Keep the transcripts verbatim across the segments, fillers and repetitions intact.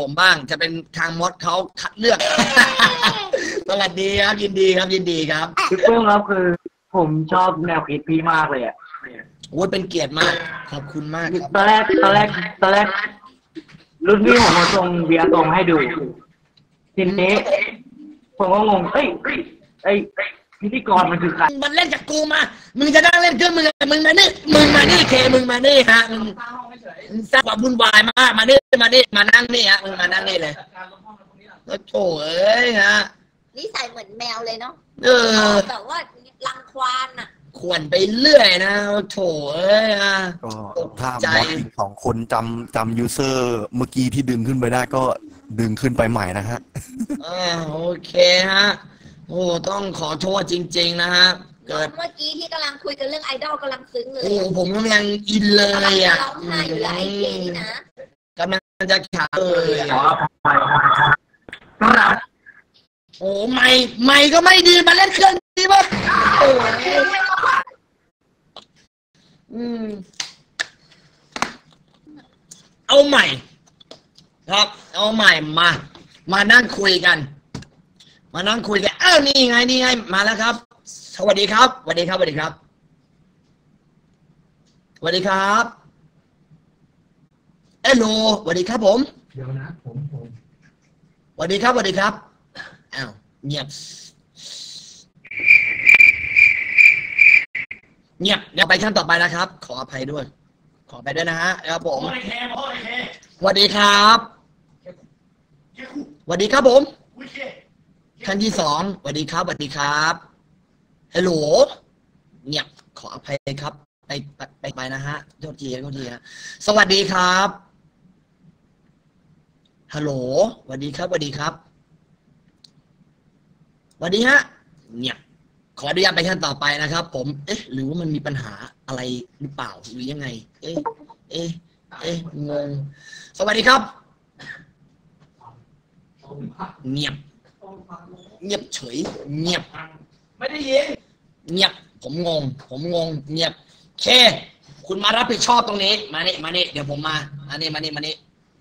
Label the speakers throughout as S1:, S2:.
S1: ผมบ้างจะเป็นทางมดเขาคัดเลือก สวัสดีครับยินดีครับยินดีครับ
S2: พี่เพิ่มครับคือผมชอบแนวคิดพี่มากเลยอ่ะ
S1: โอ้ยเป็นเกียรติมากขอบคุณมาก
S2: ตอนแรกตอนแรกตอนแรกรุ่นพี่ผมมาส่งเบียร์ส่งให้ดูทีนี้ผมก็งงเอ้ยไอ้พิธีกรมันคือใคร
S1: มันเล่นจากกูมามึงจะนั่งเล่นเครื่องมึงมึงมานี่มึงมานี่เคมึงมานี่ฮะมึงสร้างความวุ่นวายมากมานี่มานี่มานั่งนี่ฮะมึงมานั่งนี่เลยก็โถ่เอ้ยฮะ
S3: นิสัยเหมือนแมวเลยเนาะ
S1: เออ
S3: แบบว่ารังควานอ่ะ
S1: ขวนไปเรื่อยนะโถ่เอ้ยฮะ
S4: ก็ถ้ามอสอีกสองคนจำจำยูเซอร์เมื่อกี้ที่ดึงขึ้นไปได้ก็ดึงขึ้นไปใหม่นะฮะ
S1: อ่าโอเคฮะโอ้ต้องขอโทษจริงๆนะฮะ
S3: เกิดเมื่อกี้ที่กำลังคุยกันเรื่องไอดอลกำลังซึ้งเลย
S1: โอ้ผมกำลังอินเลยอ่ะ
S3: ร้องไห้อยู่หลายทีนะ
S1: กำลังจะขาเลยโอ้ไม่ไม่ก็ไม่ดีมาเล่นเครื่องดีป่ะโอ้อืมเอาใหม่ครับเอาใหม่มามานั่งคุยกันมานั่งคุยกันอ้าวนี่ไงนี่ไงมาแล้วครับสวัสดีครับสวัสดีครับสวัสดีครับสวัสดีครับเอลโลสวัสดีครับผม
S5: เดี๋ยวนะผมผม
S1: สวัสดีครับสวัสดีครับอ้าวเงียบเงียบเดี๋ยวไปขั้นต่อไปนะครับขออภัยด้วยขอไปด้วยนะฮะครับผมสวัสดีครับสวัสดีครับผมขั้นที่สองสวัสดีครับสวัสดีครับฮัลโหลเงียบขออภัยครับไปไปไปนะฮะโทษทีโทษทีฮะสวัสดีครับฮัลโหลสวัสดีครับสวัสดีครับสวัสดีฮะเงียบขออนุญาตไปขั้นต่อไปนะครับผมเอ๊ะหรือว่ามันมีปัญหาอะไรหรือเปล่าหรือยังไงเอ๊ะเอ๊ะเอ๊ะงงสวัสดีครับเงียบเงียบเฉยเงียบ
S5: ไม่ได้ยิน
S1: เงียบผมงงผมงงเงียบเคคุณมารับผิดชอบตรงนี้มานี่มานี่เดี๋ยวผมมามานี่มานี่มานี่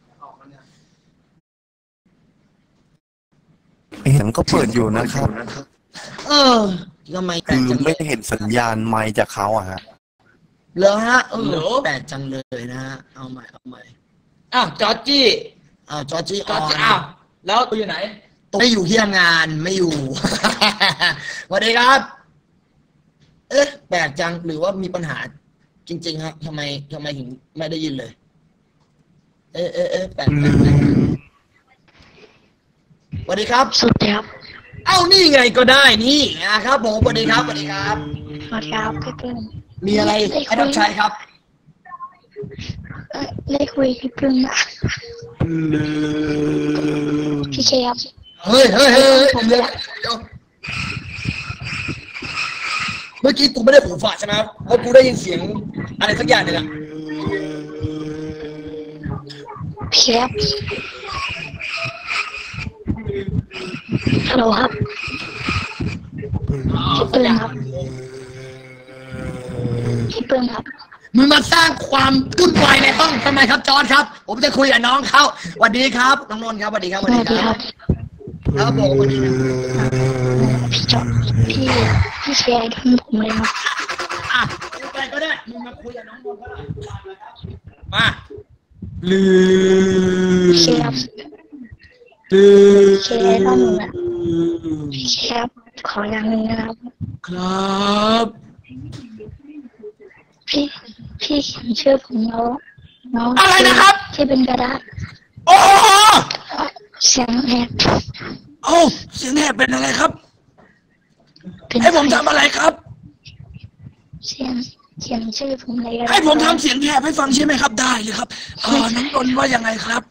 S4: เห็นก็เปิดอยู่นะครับ
S1: เออทำไม
S4: คือไม่เห็นสัญญาณไมค์จากเขาอะฮะ
S1: เหรอฮะเออแปลกจังเลยนะฮะเอาใหม่เอาใหม่อ้าวจอร์จี้อ้าวจอร์จี้
S5: จอร์จี้อ้าวแล้วตัวอยู่ไหน
S1: ไม่อยู่ที่ทำงานไม่อยู่ สวัสดีครับเอ๊ะแปลกจังหรือว่ามีปัญหาจริงๆฮะทำไมทำไมถึงไม่ได้ยินเลยเอ๊ะเอ๊ะเอ๊ะแปลกสวัสดีครับ
S6: สวัสดีครับ
S1: เอ้านี่ไงก็ได้นี่นะครับผมสวัสดีครับสวัสดีครับ
S6: สวัสดีครับพี่เพิ่ม
S1: มีอะไรให้รับใช้ครับ
S6: ได้คุยพี่เพิ่มนะพี่เชฟ
S1: เฮ้ยเฮ้ยเฮ้ยผมเลยเมื่อกี้กูไม่ได้หูฝาดใช่ไหมเพราะกูได้ยินเสียงอะไรสักอย่างเนี่ยนะ
S6: พี่เชฟฮัลโหลครับพี่เปิ้ลครับพี่เปิ้ลครับ
S1: มึงมาสร้างความวุ่นวายในห้องทำไมครับจอร์จครับผมจะคุยกับน้องเขาสวัสดีครับน้องนนท์ครับสวัสดีครับสวัสดีครับครับผมสวัสดี
S6: พี่จอร์จพี่พี่แชร์ทั้งผมเลยครับ
S1: อ่ะไปก็ได้มึงมาคุยกับน้องนนท์ก็ได้มาลืม
S6: แชร์แชร์ต้องนะพี่แชร์ขออย่างนึงนะครับ
S1: ครับ
S6: พี่พี่เขียนชื่อผมแล้วน้อง
S1: อะไรนะครับ
S6: ที่เป็นกระดาษ
S1: โอ้
S6: เสียงแหบ
S1: โอ้เสียงแหบเป็นอะไรครับให้ผมทำอะไรครับ
S6: เสียงเขียนชื่อผมเลย
S1: ให้ผมทำเสียงแหบให้ฟังใช่ไหมครับได้เลยครับเออน้องนนท์ว่ายังไงครับ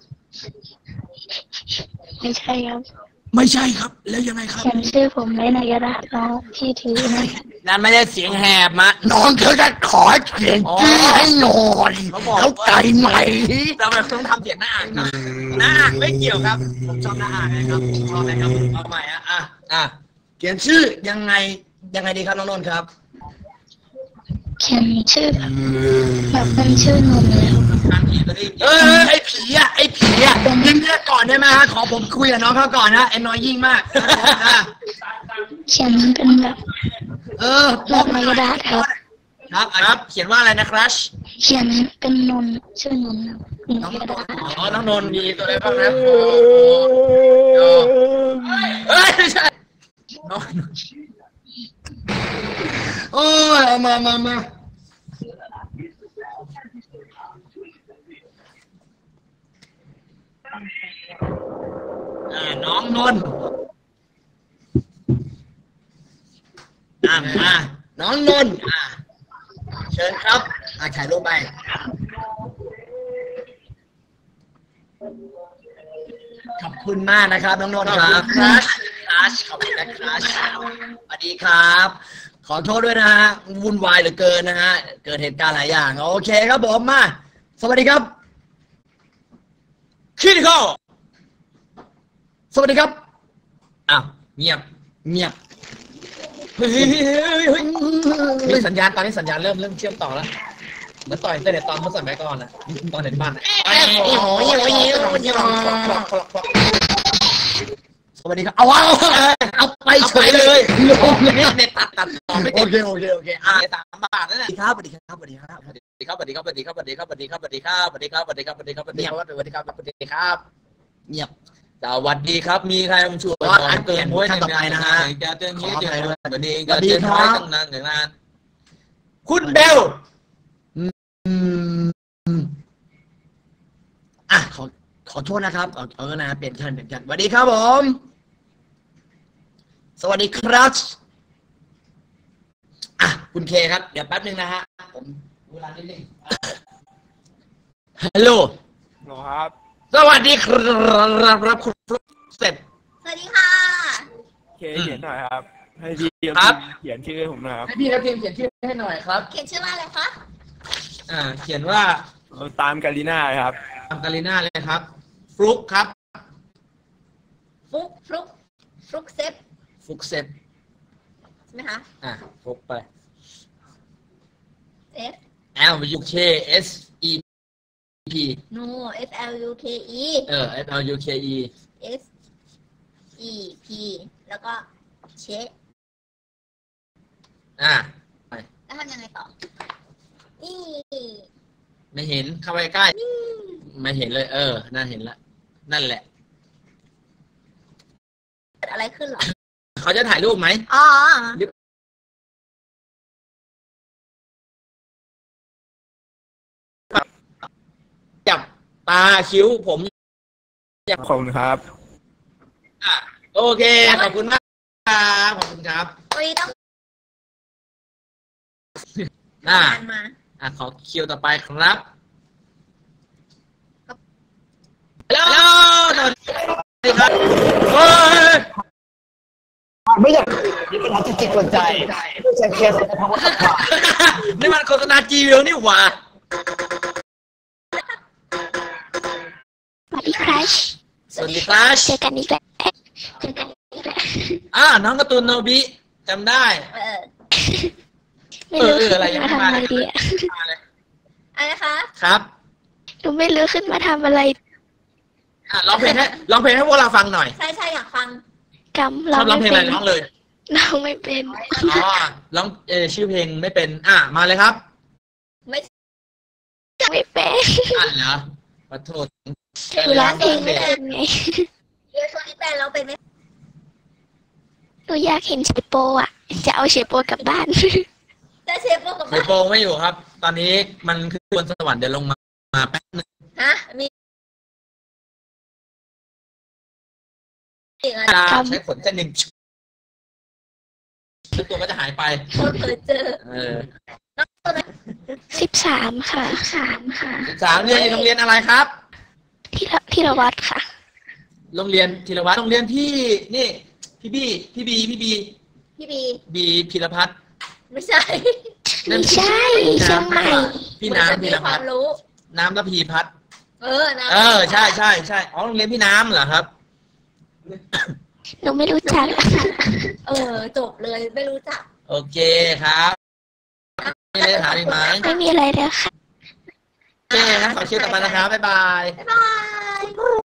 S6: ไม่ใช่ครับ
S1: ไม่ใช่ครับแล้วยังไงครับ
S6: เขียนชื่อผมไว้ในกระดาษน้องที่ถือนะ
S1: นั่นไม่ได้เสียงแหบมะน้องเธอจะขอเขียนชื่อให้หน่อยเข้าใจไหมเราแบบต้องทำเสียงหน้าอ่านนะหน้าอ่านไม่เกี่ยวครับผมชอบหน้าอ่านนะครับผมชอบนะครับเอาใหม่อ่ะอ่ะอ่ะเขียนชื่อยังไงยังไงดีครับน้องนนท์ครับ
S6: เขียนชื่อแบบแบบเป็นชื่อนนท์เลยครับ
S1: ทางผีตัวนี้เออไอ้ผีอ่ะไอ้ผีอ่ะยิงเลือกก่อนได้ไหมฮะขอผมคุยกับน้องเขาก่อนนะไอ้น้อยยิ่งมาก
S6: เขียนเป็นแบบ
S1: เออ
S6: ลายไม้กระดาษครับ
S1: ครับครับเขียนว่าอะไรนะครัช
S6: เขียนเป็นนนชื่อนนครับ
S1: น้อง
S6: กระดาษ
S1: อ๋อน้องนนท์มีตัวอะไรบ้างนะเฮ้ยไม่ใช่น้องโอ้ยมามามาอ่าน้องนนท์อ่ามาน้องนนท์อ่าเชิญครับอ่าถ่ายรูปไปขอบคุณมากนะครับน้องนนท์ครับครัชครัชขอบคุณนะครัชสวัสดีครับขอโทษด้วยนะฮะวุ่นวายเหลือเกินนะฮะเกิดเหตุการณ์หลายอย่างโอเคครับผมมาสวัสดีครับคิดเข้าสวัสดีครับอ้าวเงียบเงียบเฮ้ยเฮ้ยเฮ้ยมีสัญญาณตอนนี้สัญญาณเริ่มเริ่มเชื่อมต่อแล้วเหมือนต่อยแต่เด็ดตอนเขาสั่งไปก่อนนะตอนเด็ดบ้านนะสวัสดีครับเอาเอาเอาไปเฉยเลยลงเลยเน็ตตัดตัดต่อไม่ติดโอเคโอเคโอเคอ่าสามบาทนั่นแหละครับสวัสดีครับสวัสดีครับสวัสดีครับสวัสดีครับสวัสดีครับสวัสดีครับสวัสดีครับสวัสดีครับสวัสดีครับสวัสดีครับสวัสดีครับสวัสดีครับสวัสดีครับสวัสดีครับเงียบสวัสดีครับมีใครมาช่วยอันเกินท่านต่อไปนะฮะจะเตือนนี้เดี๋ยววันนี้ก็เตือนไว้ตั้งนานอย่างนานคุณเบลอ่ะขอขอโทษนะครับเออนะเปลี่ยนชั้นเปลี่ยนชั้นสวัสดีครับผมสวัสดีครับอ่ะคุณเคครับเดี๋ยวแป๊บนึงนะฮะผมเวลานิดนึงฮัลโหล
S7: ครับ
S1: สวัสดีครับรับคุณเสร็จ
S3: สวัสดีค่ะ
S7: เคเขียนหน่อยครับให้พี่เขียนชื่อผมหน่อยครับ
S1: ให้พี่ครับทีมเขียนชื่อให้หน่อยครับ
S3: เขียนชื่อว่าอะไรคะ
S1: อ่าเขียนว่า
S7: ตามกาลิน่าครับ
S1: ตามกาลิน่าเลยครับฟลุกครับ
S3: ฟลุกฟลุกฟลุกเซฟ
S1: ฟลุกเซฟ
S3: ใช่ไหมคะ
S1: อ่าฟลุกไป
S3: F
S1: L U K S E P
S3: no F L U K E
S1: เออ F L U K E
S3: S E P แล้วก็เชฟ
S1: อ่าไป
S3: แล้วทำยังไงต่อนี่
S1: ไม่เห็นเข้าไปใกล้ไม่เห็นเลยเออน่าเห็นละนั่นแหละ
S3: เกิดอะไรขึ้นหรอ
S1: เขาจะถ่ายรูปไหม
S3: อ๋อ
S1: จับตาคิ้วผม
S7: ขอบคุณครับ
S1: อ่ะโอเคขอบคุณมากครับขอบคุณครับ
S3: วันนี้ต้อง
S1: อ่าอ่ะขอคิวต่อไปครับฮัลโหลสวัสดีครับเฮ้ย
S2: ไม่อยากมีปัญหาจิตจิตหัวใจไม่ใช่เคสในภาวะขัดขวาง
S1: นี่มันโฆษณาจีวิวนี่หว่า
S6: สวัสดีครับ
S1: สวัสดีครับ
S6: เจอกันอีกแล้วเจอกันอีกแล้ว
S1: อ่าน้องการ์ตูนโนบิจำได้
S3: เออ
S6: ไม่รู้ขึ้นมาทำอะไรดีอะ
S3: อะไรคะ
S1: ครับ
S6: หนูไม่รู้ขึ้นมาทำอะไร
S1: อ่ะร้องเพลงให้ร้องเพลงให้พวกเราฟังหน่อย
S3: ใช่ใช่อยากฟัง
S6: กำร้อง
S1: ร้องเพลงอะไรร้องเลย
S6: ร้องไม่เป็น
S1: อ๋อร้องเออชื่อเพลงไม่เป็นอ่ะมาเลยครับ
S3: ไม่
S6: ไม่เป็น
S1: อ่ะเหรอขอโทษ
S6: คือร้องเพลงไม่เป็นไง
S3: เดี๋ยวช่วงนี้เป็นเราเป็นไหม
S6: หนูอยากเห็นเชโปอ่ะจะเอาเชโปกลับบ้าน
S3: จะเชโปกลับบ้าน
S1: เชโปไม่อยู่ครับตอนนี้มันคือบนสวรรค์เดี๋ยวลงมามาแป๊บนึง
S3: ฮะมี
S1: ใช้ขนเส้นหนึ่งตัวก็จะหายไป
S3: เคยเจอ
S1: เออ
S6: สิบสามค่ะสามค่ะ
S1: สิบสามเรียนโรงเรียนอะไรครับ
S6: ที่ที่ละวัดค่ะ
S1: โรงเรียนธีรวัตรโรงเรียนพี่นี่พี่บีพี่บีพี่บี
S3: พี่บี
S1: บีพีรพัฒน์
S3: ไม่ใช่
S6: ไม่ใช่เชียงใหม่
S1: พี่น้ำพีรพัฒน์น้ำระพีพัฒน์
S3: เออน้ำ
S1: เออใช่ใช่ใช่อ๋อโรงเรียนพี่น้ำเหรอครับ
S6: หนูไม่รู้จัก
S3: เออจบเลยไม่รู้จัก
S1: โอเคครับมีอะไรถามอีกไหม
S6: ไม่มีอะไรแล้วค่ะ
S1: เคนะขอคิวต่อไปนะครับบ๊ายบาย
S3: บ๊ายบาย